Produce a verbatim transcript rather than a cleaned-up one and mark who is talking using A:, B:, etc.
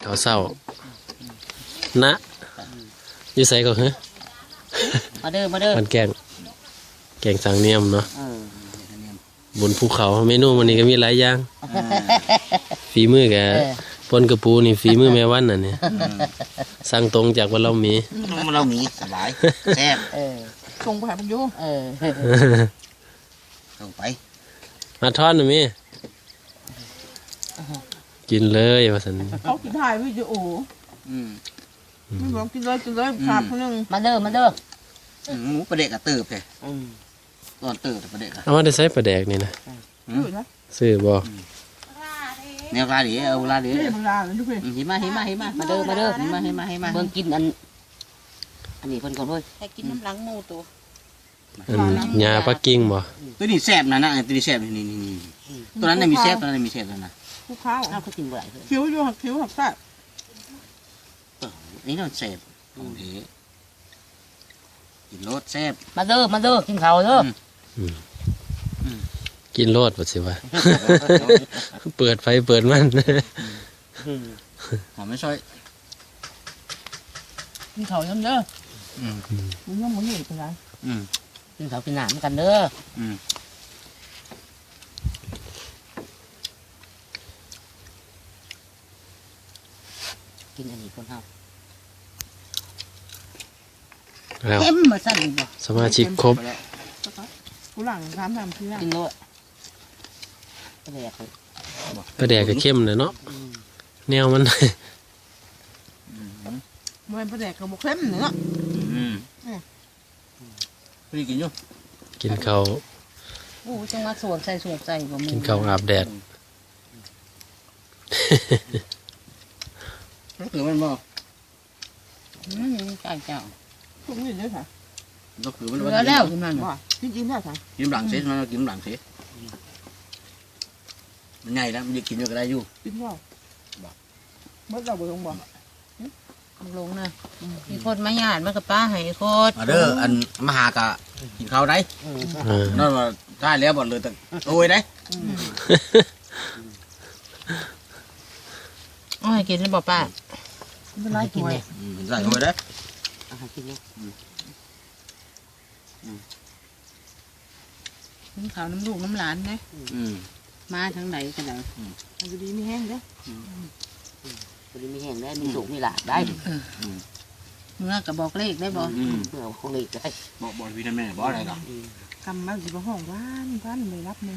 A: ข้าวเศร้านะอยู่ใส่ก็เหรอ
B: มาเด้อมาเด้อ
A: มันแกงแกงสังเนียมเนาะบนภูเขาเมนูวันนี้ก็มีหลายอย่างฝีมือแกปนกระปูนี่ฝีมือแม่วันน่ะเนี่ยสั่งตรงจากวันเรามี
C: วันเรามีสบายแซ่บ
B: ส่งไปหาพยุเออ
C: ส่งไป
A: มาทอดหน่อยมิกินเลยว่าสัน
B: เขากินถ่ายวิดีโออืมไม่บอกกินเลยกินเลยขาดคนนึงมาเด้อมาเด้อ
C: หมูประเดกกระเติบเลยตอนเติบประเดก
A: เอามาได้ใส่ปลาแดกนี่นะซื้อบ่
C: แนวลาดีเอาลาดี
B: เห็นมาเห็นมาเห็นมามาเด้อมาเด้อเห็นมาเห็นมาเห็นมาเบิ่งกินอันอันนี้เพิ่นก่อนเลยให้กินน้ำหลังหมูตัว
A: หญ้าปักกิ่งบ่
C: ตัวนี้แซ่บนะนะตัวนี้แซ่บนี่นี่นี่ตัวนั้นมีแซ่บตัวนั้นมีแซ่บแล้วนะ
B: คู่ข้าวข้าวเขากินบ่ได้คิ้วอยู่หักคิ้วหักแซ่บ
C: นี่เราแซ่บโอเคกินรสแซ่บ
B: มาเด้อมาเด้อกินข้าวเด้อ
A: กินโลดบ่สิวะเปิดไฟเปิดมัน
C: หอมไม่ช่วย
B: กินข้าวยังเด้อมึงยังมึงอยู่เป็นไรกินข้าวกินน้ำกันเด้อกินอันนี้คนเฮาเข้มมาสั่นบ่
A: สมาชิกครบ
B: กูหลังทำทำคือกินโลดปลาแดก
A: ปลาแดกก็เข้มเลยเนาะแนวมัน
B: มันปลาแดกก็บ่เข้มเนาะ
C: พี่กินอยู่
A: กินข้าว
B: โอ้จังมาสวมใส่สวมใส่บ่มี
A: กินข้าวอาบแดด
C: รู้สึกมันบ่
B: อืมไก่เจ้าพวกนี้เด้อค่ะ
C: รู้สึกมัน
B: บ่แล้วกินมันบ่กินกินได้ค่ะ
C: กินหลังเสร็จมันกินหลังเสร็จมันใหญ่แล้วมันจะกินอยู่ก็ได้อยู่
B: กินบ่บ่เมื่อเราบ่ลงบ่ลงนะมีคนมาญาติมากับป้าให้โคตร
C: มาเด้ออันมาหากะกินข้าวได้นั่นว่าได้แล้วบ่เลยแต่โอ้ยได้
B: โอ้ยกินแล้วบ่ป้าไม่ไรกินเนี่ย
C: ใส่โอ้ยได้
B: อาหารกินเนี่ยน้ำขาวน้ำลูกน้ำหลานนะมาทางไหนกันไหนมันจะดีมีแห้งได้จะดีมีแห้งได้มีสุกมีหลาดได้เมื่อกับบอกเลขได้บอกเมื่อบอกเลขได้
C: บอกบอกวินาแม่บอกอะไรหรอก
B: คำมาสิบห้องว่านว่านไม่รับ